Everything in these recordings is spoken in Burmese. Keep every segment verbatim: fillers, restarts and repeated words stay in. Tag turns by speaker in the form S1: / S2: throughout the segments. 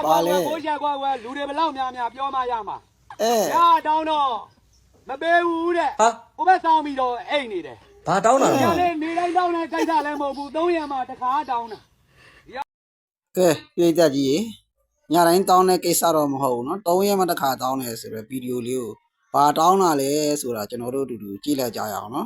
S1: ကွာကွာကိုရှာကွာကွာလူတွေဘလောက်များများပြောမှရမှာ
S2: အဲ
S1: ရတောင်းတော့မပေးဘူးတဲ့
S3: ဟာ
S1: ကိုပဲစောင်းပြီးတော့အိတ်နေတယ်
S3: ဘာတောင်းတာလဲ
S1: နေနေတိုင်းတောင်းတဲ့ကိစ္စလည်းမဟုတ်ဘူးသုံးရက်မှတစ်ခါတောင်းတာ
S2: ကဲပြေးကြကြီးရေညတိုင်းတောင်းတဲ့ကိစ္စတော့မဟုတ်ဘူးเนาะသုံးရက်မှတစ်ခါတောင်းတယ်ဆိုတော့ဗီဒီယိုလေးကိုဘာတောင်းတာလဲဆိုတာကျွန်တော်တို့အတူတူကြည့်လိုက်ကြရအောင်เนาะ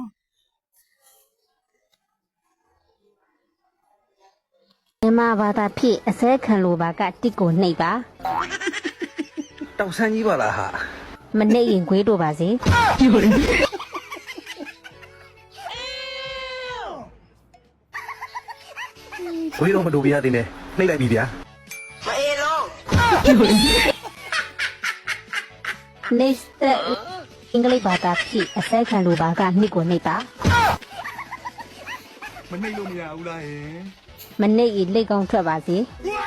S4: မြန်မာဘာသာဖြစ်အစဲခံလိုပါကတစ်ကိုနှိပ်ပါ
S3: တောက်ဆန်းကြီးပါလားဟာ
S4: မနှိပ်ရင်ခွေးတို့ပါစေ
S3: ခွေးတော့မတို့ပြရသေးနဲ့နှိပ်လိုက်ပြီဗျာ
S4: မအေးလုံးနေစတဲ့အင်္ဂလိပ်ဘာသာဖြစ်အစဲခံလိုပါကနှစ်ကိုနှိပ်ပါ
S3: မနှိပ်လို့မရဘူးလားဟင်
S4: မနှိပ်ရင်လက်ကောင်းထွက်ပါစေ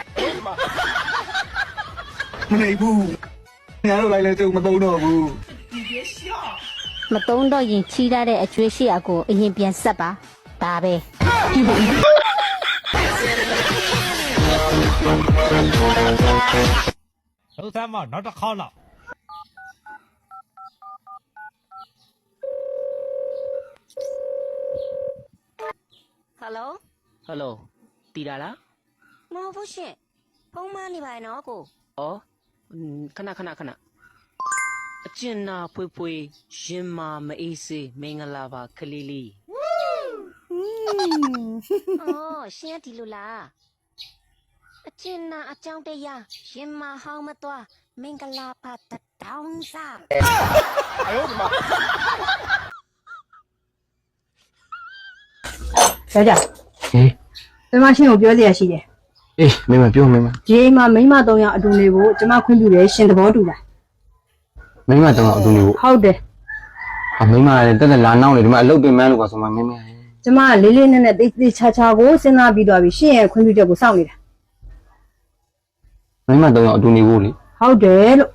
S3: မနှိပ်ဘူးညာတော့လိုက်လဲတုံမသုံးတော့ဘူး
S4: မသုံးတော့ရင်ချီးရတဲ့အကျွေးရှိအကိုအရင်ပြန်ဆက်ပါဒါပဲ
S5: လုံးသားမနောက်တစ်ခေါက်လောက်
S4: ဟယ်လို
S6: ဟယ်လိုတီတာလား
S4: မဟုတ်ဘူးရှင်ဖုန်းမနေပါနဲ့နော်ကို
S6: ဩခဏခဏခဏအကျဉ်းနာဖွေးဖွေးရင်မာမအေးစေးမင်္ဂလာပါခလေးလေး
S4: အော်ရှင်ဒီလိုလားအကျဉ်းနာအကြောင်းတရားရင်မာဟောင်းမသွားမင်္ဂလာပါတောင်းစား
S5: 哎呦我的妈
S7: ယောက်ျား
S3: ဟေး
S7: ကျမရှင်ကိုပြောစရာရှိတယ်
S3: အေးမင်းမပြောမင်းမ
S7: ဒီအိမ်မှာမိန်းမသုံးယောက်အတူနေဖို့ကျမခွင့်ပြုတယ်ရှင်သဘောတူလား
S3: မင်းမတော့အတူနေဖို့
S7: ဟုတ်တယ်
S3: အမင်းမလည်းတက်တက်လာနောက်နေဒီမှာအလုပ်ပင်မန်းလို့ပါဆိုမှမင်းမ
S7: ကျမကလေးလေးနက်နက်တိတ်တိတ်ချာချာကိုစဉ်းစားပြီးသွားပြီရှင်ရဲ့ခွင့်ပြုချက်ကိုစောင့်နေတာ
S3: မင်းမတော့အတူနေဖို့လေ
S7: ဟုတ်တယ်လို့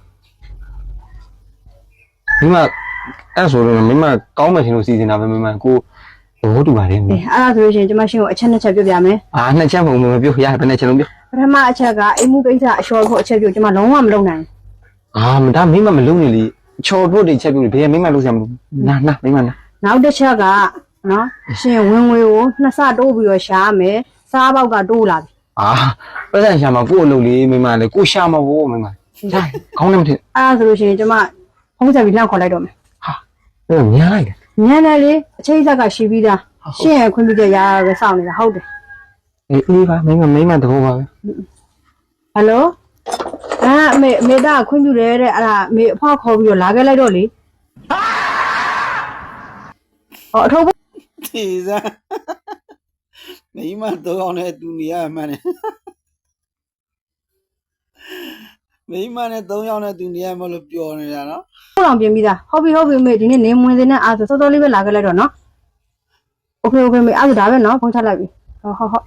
S3: မင်းမအဲ့ဆိုတော့မင်းမကောင်းမှရှင်လို့စီစဉ်တာပဲမင်းမကိုသဘောတူပါတယ်မင်း
S7: အဲ့ဒါဆိုလို့ရှိရင်ကျမရှင်ကိုအချက်နှစ်ချက်ပြောပြမယ်
S3: အာနှစ်ချက်မဟုတ်ဘူးပြောရဘယ်နဲ့ချက်လုံးပြော
S7: ပထမအချက်ကအိမ်မှုကိစ္စအလျှော်ဖို့အချက်ပြောကျမလုံးဝမလုပ်နိုင်
S3: အာမဒါမင်းမမလုပ်နေလေချော်ဖို့တွေချက်ပြောဘယ်မင်းမလုပ်စရာမလိုနာနာမင်းမနာ
S7: နောက်တစ်ချက်ကနော်ရှင်ဝင်ငွေကိုနှစ်ဆတိုးပြီးတော့ရှားမယ်စားပေါက်ကတိုးလာပြီ
S3: အာပတ်စံရှာမှာကို့အလုပ်လေးမင်းမလည်းကိုရှာမှာဘောမင်းမဒါခေါင်းနဲ့မထင်
S7: အဲ့ဒါဆိုလို့ရှိရင်ကျမဖုံးဆက်ပြီးလှမ်းခေါ်လိုက်တော့မယ်
S3: ဟာအဲ့ညံလိုက်တယ်
S7: ညံတယ်လေအချိန်ဆက်ကရှိပြီးသားရှင့်ရဲ့ခွင့်ပြုချက်ရရပဲစောင့်နေတာဟုတ်တယ်
S3: အေးအေးပါမင်းမမင်းမတဘောပါပဲ
S7: ဟယ်လိုအာအမေအမေသားခွင့်ပြုတယ်တဲ့အဲ့ဒါအမေအဖွားခေါ်ပြီးတော့လာခဲ့လိုက်တော့လေဟောအထုပ်
S2: ဒီစားမိမတော့အောင်နဲ့တူနေရမှန်းတယ်မိမနဲ့သုံးယောက်နဲ့တူနေရမလို့ပြောနေတာနော်
S7: ဟုတ်အောင်ပြင်ပြီးသားဟုတ်ပြီဟုတ်ပြီအမေဒီနေ့နေမဝင်စင်းနဲ့အားဆိုစောစောလေးပဲလာခဲ့လိုက်တော့နော်โอเคโอเคမေအဲ့ဒါဒါပဲနော်ဖုန်းချလိုက်ပြီဟုတ်ဟုတ်ဟုတ်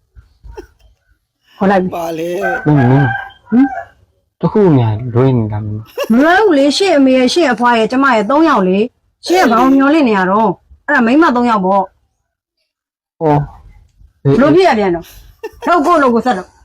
S7: ခေါ်လိုက်ပြီ
S2: ပါလေ
S3: မင်းမင်းဟင်တခုများလွှဲနေတာမင်း
S7: မလွှဲဘူးလေရှင့်အမေရဲ့ရှင့်အဖွားရဲ့ကျမရဲ့သုံးယောက်လေရှင့်ကဘာမျောလင့်နေရတော့အဲ့ဒါမိန်းမသုံးယောက်ပေါ့
S3: ဩ
S7: ဘလို့ပြရပြန်တော့ထုတ်ကိုလို့ကိုဆက်တော့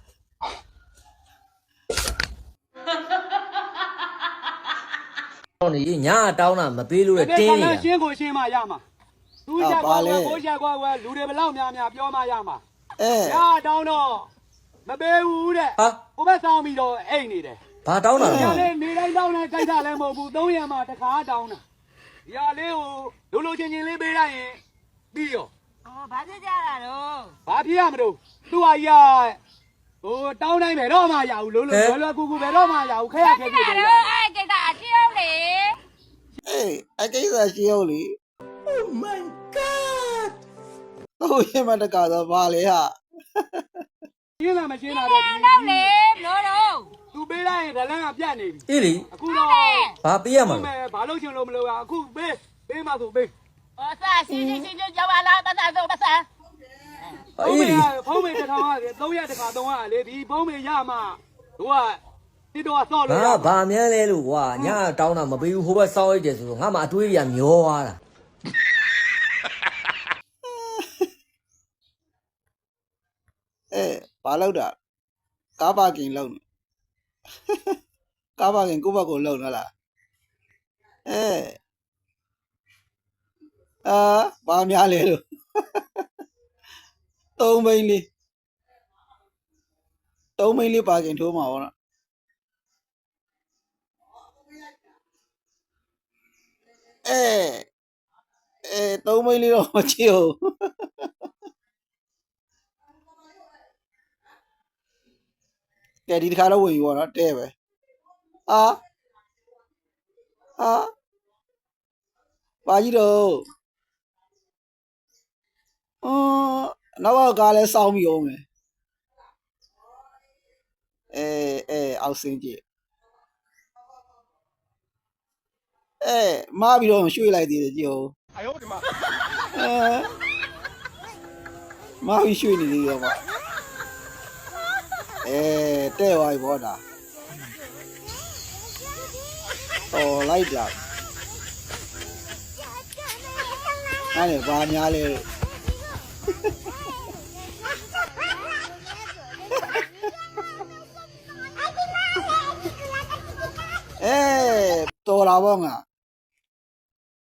S6: နေညာတောင်းတာမပေးလို့တင်းနေတာ
S1: ရှင်းကိုရှင်းမှရမှာသူကြကွာကွာကိုရှာကွာကွာလူတွေဘလောက်များများပြောမှရမှာ
S2: အဲ
S1: ရတောင်းတော့မပေးဘူးတဲ့
S6: ဟာ
S1: ကိုပဲစောင်းပြီးတော့အိတ်နေတယ်
S6: ဘာတောင်းတာလဲ
S1: နေနေတိုင်းတောင်းတဲ့ကိစ္စလည်းမဟုတ်ဘူးသုံးရက်မှတစ်ခါတောင်းတာဒီဟာလေးကိုလိုလိုချင်းချင်းလေးပေးလိုက်ရင်ပြီးရော
S4: အော်ဘာဖြစ်ကြတာတော့
S1: ဘာဖြစ်ရမလို့သူ့ဟာကြီးဟိုတောင်းတိုင်းပဲတော့မှရဘူးလို့လို့လွယ်လွယ်ကူကူပဲတော့မှရဘူးခဲရခဲဖြစ်တယ်
S4: အဲ့ကိစ္စအရှင်းလေ
S2: အေးအကိစ္စရှိအောင်လေ Oh my god တော့ရမတကတော့ဘာလဲဟာ
S1: ရှင်းလာမရှင်းလာတော့ဒီ
S4: တော့လေလို့တော့
S1: သူပေးလိုက်ရင်ဒလန်းကပြတ်နေပြီ
S6: အေးလေ
S1: အခုတော့
S6: ဘာပေးရမှာ
S1: လဲဘာလို့ရှင်လို့မလို့အခုပေးပေးမှဆိုပေး
S4: ဟောစားရှင်းရှင်းရှင်းကြောက်ပါလားပတ်စားဆိုပတ်စား
S1: အေးလေဖုံးမေတစ်ထောင်ကသုံးရက်တစ်ခါသုံးရလေဒီဖုံးမေရမှတို့ကတိတော့ဆော့လို့
S6: ဟာဘာမြန်းလဲလို့ကွာညာတောင်းတာမပေးဘူးဟိုဘက်စောင်းလိုက်တယ်ဆိုတော့ငါမှအတွေးရမျောသွားတာ
S2: အဲဘာလို့တာကားပါကင်လောက်ကားပါခင်ကိုယ့်ဘက်ကိုလုံနော်လားအဲအာဘာများလဲလို့သုံးမိန်းလေးသုံးမိန်းလေးပါခင်ထိုးမှာပေါ့နော်အဲအဲသုံးမိန်းလေးတော့မချစ်ဘူးကဲဒီတစ်ခါတော့ဝင်ပြီပေါ့နော်တဲ့ပဲအာအာပါကြီးတော့အော်နောက်ကကားလဲစောင်းပြီးအောင်မယ်အဲအဲအောက်စင်းကြည့်အဲမားပြီးတော့ရွှေ့လိုက်သေးတယ်ကြည့်အောင်
S5: 哎呦我的妈！
S2: အဲမားပြီးရွှေ့နေသေးတယ်ပေါ့အဲတဲ့သွားပြီပေါ့ဒါတော်လိုက်တာအဲ့ဒါဘာများလဲလို့အဲတော်လာပေါ့ငါ